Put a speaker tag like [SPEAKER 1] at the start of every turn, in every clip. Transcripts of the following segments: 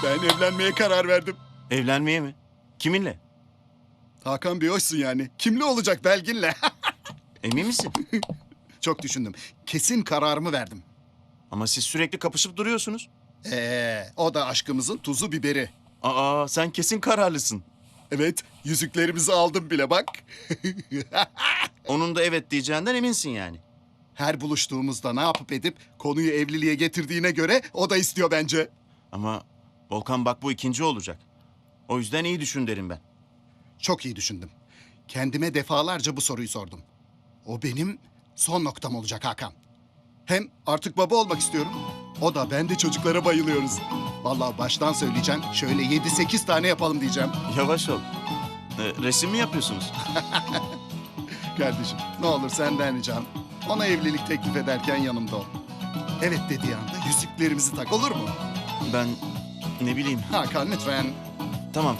[SPEAKER 1] Ben evlenmeye karar verdim.
[SPEAKER 2] Evlenmeye mi? Kiminle?
[SPEAKER 1] Hakan Bey hoşsun yani. Kimle olacak Belgin'le?
[SPEAKER 2] Emin misin?
[SPEAKER 1] Çok düşündüm. Kesin kararımı verdim.
[SPEAKER 2] Ama siz sürekli kapışıp duruyorsunuz.
[SPEAKER 1] O da aşkımızın tuzu biberi.
[SPEAKER 2] Aa, sen kesin kararlısın.
[SPEAKER 1] Evet, yüzüklerimizi aldım bile bak.
[SPEAKER 2] Onun da evet diyeceğinden eminsin yani.
[SPEAKER 1] Her buluştuğumuzda ne yapıp edip konuyu evliliğe getirdiğine göre o da istiyor bence.
[SPEAKER 2] Ama Volkan bak bu ikinci olacak. O yüzden iyi düşün derim ben.
[SPEAKER 1] Çok iyi düşündüm. Kendime defalarca bu soruyu sordum. O benim son noktam olacak Hakan. Hem artık baba olmak istiyorum. O da ben de çocuklara bayılıyoruz. Vallahi baştan söyleyeceğim. Şöyle 7-8 tane yapalım diyeceğim.
[SPEAKER 2] Yavaş ol. Resim mi yapıyorsunuz?
[SPEAKER 1] Kardeşim ne olur senden ricam. Ona evlilik teklif ederken yanımda ol. Evet dediği anda yüzüklerimizi tak, olur mu?
[SPEAKER 2] Ben ne bileyim.
[SPEAKER 1] Hakan lütfen.
[SPEAKER 2] Tamam.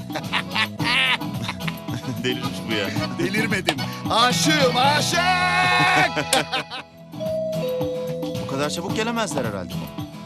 [SPEAKER 2] Delirmiş bu ya.
[SPEAKER 1] Delirmedim. Aşığım aşık.
[SPEAKER 2] Bu kadar çabuk gelemezler herhalde.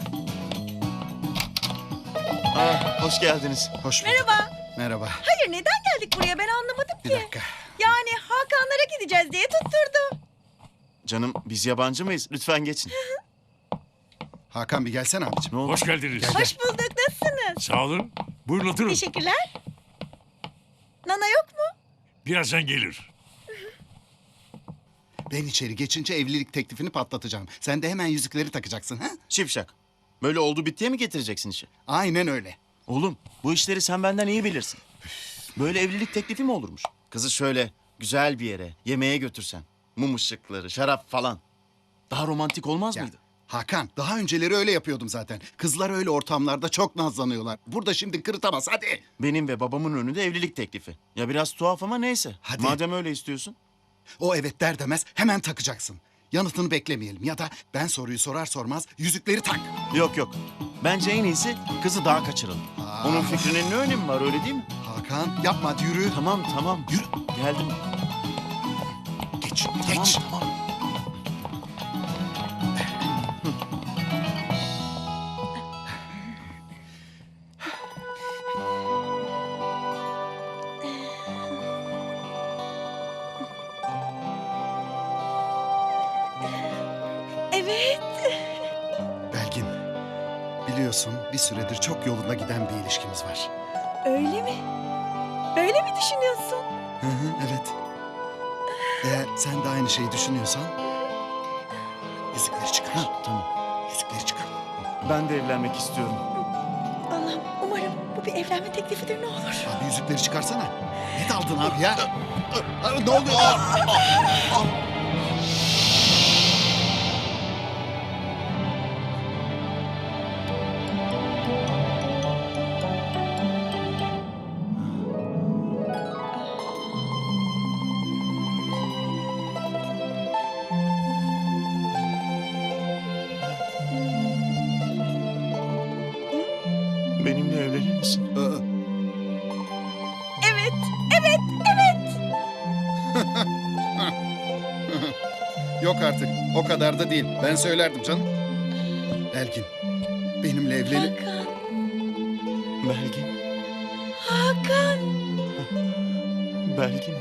[SPEAKER 2] Aa, hoş geldiniz.
[SPEAKER 1] Hoş bulduk.
[SPEAKER 3] Merhaba.
[SPEAKER 1] Merhaba.
[SPEAKER 3] Hayır neden geldik buraya ben anlamadım
[SPEAKER 1] Bir
[SPEAKER 3] ki.
[SPEAKER 1] dakika.
[SPEAKER 3] Yani Hakanlara gideceğiz diye tutturdu.
[SPEAKER 2] Canım biz yabancı mıyız? Lütfen geçin.
[SPEAKER 1] Hakan bir gelsene abicim.
[SPEAKER 2] Ne oldu?
[SPEAKER 4] Hoş geldiniz.
[SPEAKER 3] Hoş bulduk nasılsınız?
[SPEAKER 4] Sağ olun. Buyurun oturun.
[SPEAKER 3] Teşekkürler. Nana yok mu?
[SPEAKER 4] Birazdan gelir.
[SPEAKER 1] Ben içeri geçince evlilik teklifini patlatacağım. Sen de hemen yüzükleri takacaksın ha?
[SPEAKER 2] Şipşak. Böyle oldu bittiye mi getireceksin işi?
[SPEAKER 1] Aynen öyle.
[SPEAKER 2] Oğlum bu işleri sen benden iyi bilirsin. Böyle evlilik teklifi mi olurmuş? Kızı şöyle güzel bir yere yemeğe götürsen. Mum ışıkları, şarap falan. Daha romantik olmaz
[SPEAKER 1] Ya,
[SPEAKER 2] mıydı?
[SPEAKER 1] Hakan daha önceleri öyle yapıyordum zaten. Kızlar öyle ortamlarda çok nazlanıyorlar. Burada şimdi kırıtamaz hadi.
[SPEAKER 2] Benim ve babamın önünde evlilik teklifi. Ya biraz tuhaf ama neyse.
[SPEAKER 1] Hadi.
[SPEAKER 2] Madem öyle istiyorsun.
[SPEAKER 1] O evet der demez hemen takacaksın. Yanıtını beklemeyelim ya da ben soruyu sorar sormaz yüzükleri tak.
[SPEAKER 2] Yok. Bence en iyisi kızı daha kaçıralım.
[SPEAKER 1] Aa.
[SPEAKER 2] Onun fikrinin ne önemi var öyle değil mi?
[SPEAKER 1] Hakan yapma hadi yürü.
[SPEAKER 2] Tamam.
[SPEAKER 1] Yürü.
[SPEAKER 2] Geldim.
[SPEAKER 1] Geç geç.
[SPEAKER 2] Tamam.
[SPEAKER 3] Evet.
[SPEAKER 1] Belgin biliyorsun bir süredir çok yolunda giden bir ilişkimiz var.
[SPEAKER 3] Öyle mi? Böyle mi düşünüyorsun?
[SPEAKER 1] Hı, evet. Eğer sen de aynı şeyi düşünüyorsan yüzükleri çıkar.
[SPEAKER 2] Tamam.
[SPEAKER 1] Yüzükleri çıkar.
[SPEAKER 2] Ben de evlenmek istiyorum.
[SPEAKER 3] Allah'ım umarım bu bir evlenme teklifidir ne olur.
[SPEAKER 1] Abi yüzükleri çıkarsana. Ne daldın abi ya? Ne oluyor?
[SPEAKER 2] Benimle evlenir misin?
[SPEAKER 3] Evet.
[SPEAKER 1] Yok artık. O kadar da değil. Ben söylerdim canım. Belgin, benimle evlenip...
[SPEAKER 3] Hakan.
[SPEAKER 2] Belgin.
[SPEAKER 3] Hakan.
[SPEAKER 2] Belgin.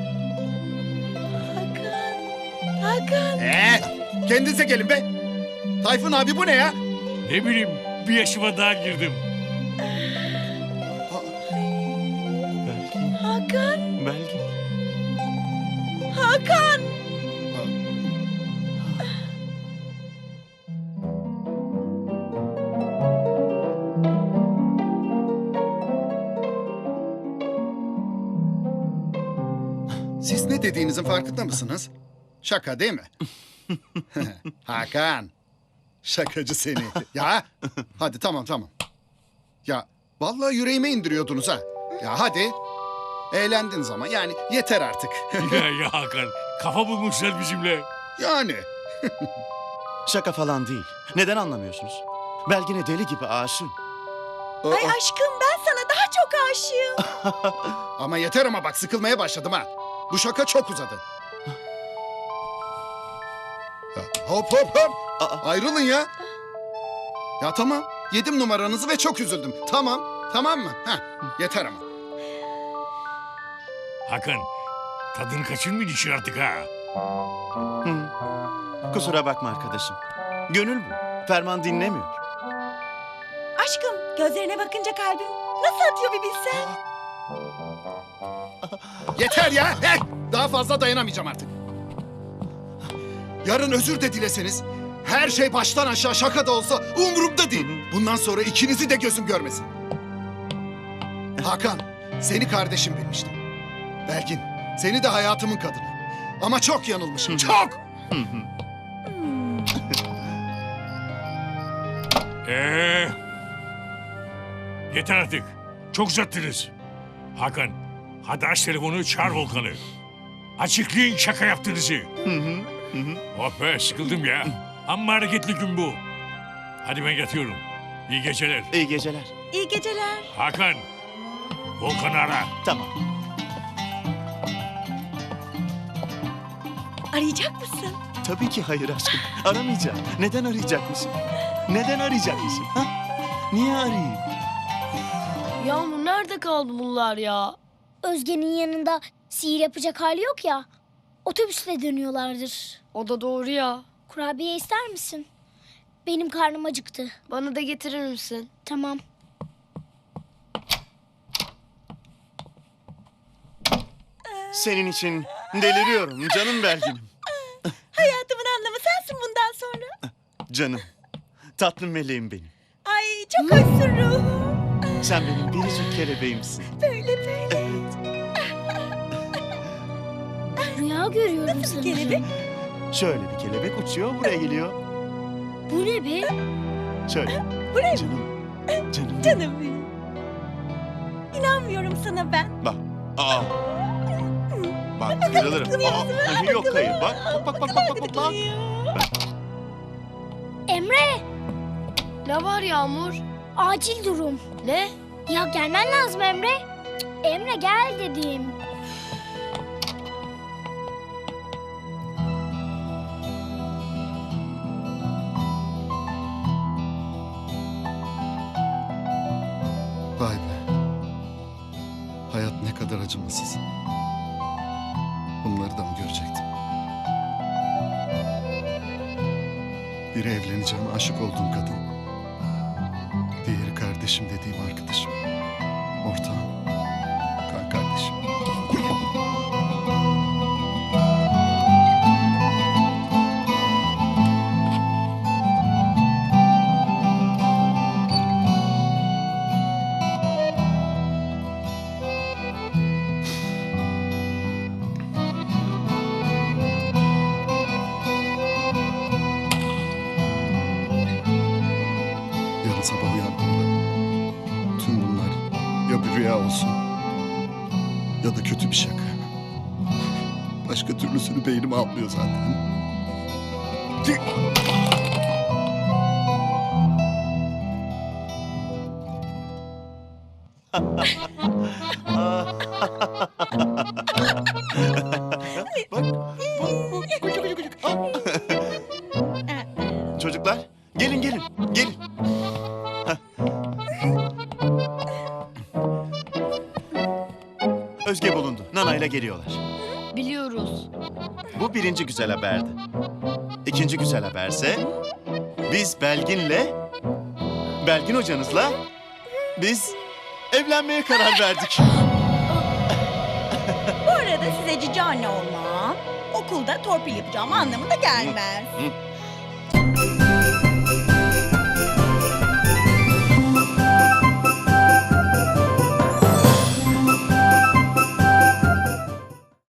[SPEAKER 3] Hakan.
[SPEAKER 1] Kendinize gelin be. Tayfun abi bu ne ya?
[SPEAKER 4] Ne bileyim bir yaşıma daha girdim.
[SPEAKER 2] Belgin.
[SPEAKER 3] Hakan.
[SPEAKER 2] Belgin.
[SPEAKER 3] Hakan.
[SPEAKER 1] Siz ne dediğinizin farkında mısınız? Şaka değil mi? Hakan. Şakacı seni. Ya hadi tamam. Ya vallahi yüreğime indiriyordunuz ha. Ya hadi. Eğlendiniz ama yani yeter artık.
[SPEAKER 4] ya Hakan kafa bulmuşlar bizimle.
[SPEAKER 1] Yani.
[SPEAKER 2] Şaka falan değil. Neden anlamıyorsunuz? Belgin'e deli gibi aşığım.
[SPEAKER 3] Ay aşkım ben sana daha çok aşığım.
[SPEAKER 1] Ama yeter ama bak sıkılmaya başladım ha. Bu şaka çok uzadı. Ya, hop.
[SPEAKER 2] Aa.
[SPEAKER 1] Ayrılın ya. Ya tamam. Yedim numaranızı ve çok üzüldüm. Tamam, tamam mı? Heh, yeter ama.
[SPEAKER 4] Hakan, tadını kaçırmayacaksın artık ha.
[SPEAKER 2] Kusura bakma arkadaşım. Gönül bu. Ferman dinlemiyor.
[SPEAKER 3] Aşkım gözlerine bakınca kalbim nasıl atıyor bir bilsen.
[SPEAKER 1] Yeter ya! Daha fazla dayanamayacağım artık. Yarın özür de dileseniz, her şey baştan aşağı şaka da olsa umurumda değil. Bundan sonra ikinizi de gözüm görmesin. Hakan, seni kardeşim bilmiştim. Belgin, seni de hayatımın kadını. Ama çok yanılmışım, çok!
[SPEAKER 4] Yeter artık. Çok uzattınız. Hakan, hadi aç telefonu, çağır Volkan'ı. Açıklayın şaka yaptığınızı. Oh be, sıkıldım ya. Amma hareketli gün bu. Hadi ben yatıyorum. İyi geceler.
[SPEAKER 2] İyi geceler.
[SPEAKER 3] İyi geceler.
[SPEAKER 4] Hakan, Volkan'ı ara.
[SPEAKER 2] Tamam.
[SPEAKER 3] Arayacak mısın?
[SPEAKER 2] Tabii ki hayır aşkım. Aramayacağım. Neden arayacakmışım? Neden arayacakmışım? Ha? Niye arayayım?
[SPEAKER 5] Yağmur nerede kaldı bunlar ya?
[SPEAKER 6] Özge'nin yanında sihir yapacak hali yok ya. Otobüsle dönüyorlardır.
[SPEAKER 5] O da doğru ya.
[SPEAKER 6] Kurabiye ister misin? Benim karnım acıktı.
[SPEAKER 5] Bana da getirir misin?
[SPEAKER 6] Tamam.
[SPEAKER 2] Senin için deliriyorum canım Belgin'im.
[SPEAKER 3] Hayatımın anlamı sensin bundan sonra.
[SPEAKER 2] Canım. Tatlı meleğim benim.
[SPEAKER 3] Ay çok hoşsun ruhum.
[SPEAKER 2] Sen benim biricik kelebeğimsin.
[SPEAKER 3] Böyle böyle.
[SPEAKER 6] Rüya görüyorum sanırım.
[SPEAKER 3] Kelebek.
[SPEAKER 2] Şöyle bir kelebek uçuyor buraya geliyor.
[SPEAKER 6] Bu ne be?
[SPEAKER 2] Şöyle.
[SPEAKER 3] Buraya
[SPEAKER 2] Canım. Canım.
[SPEAKER 3] canım benim. İnanmıyorum sana ben.
[SPEAKER 2] Bak. Aa. Bak kırılırım. Aa, yok hayır. Bak bak bak bak bak bak. Bak.
[SPEAKER 6] Emre,
[SPEAKER 5] Ne var Yağmur?
[SPEAKER 6] acil durum.
[SPEAKER 5] Ne?
[SPEAKER 6] Ya gelmen lazım Emre. Cık, Emre gel dedim.
[SPEAKER 1] Vay be. Hayat ne kadar acımasız. Bunları da mı görecektim? Biri evleneceğim, aşık olduğum kadın. Diğeri kardeşim dediğim arkadaşım. Ortağım. Kan kardeşim. Yarın sabah uyandığımda tüm bunlar ya bir rüya olsun ya da kötü bir şaka. Başka türlüsünü beynim almıyor zaten.
[SPEAKER 2] Çocuklar gelin gelin. Gelin. Hah. Özge bulundu. Nana'yla geliyorlar.
[SPEAKER 5] Biliyoruz.
[SPEAKER 2] Bu birinci güzel haberdi. İkinci güzel haberse biz Belgin hocanızla biz evlenmeye karar verdik.
[SPEAKER 3] Bu arada size cici anne olmam okulda torpil yapacağım anlamına gelmez.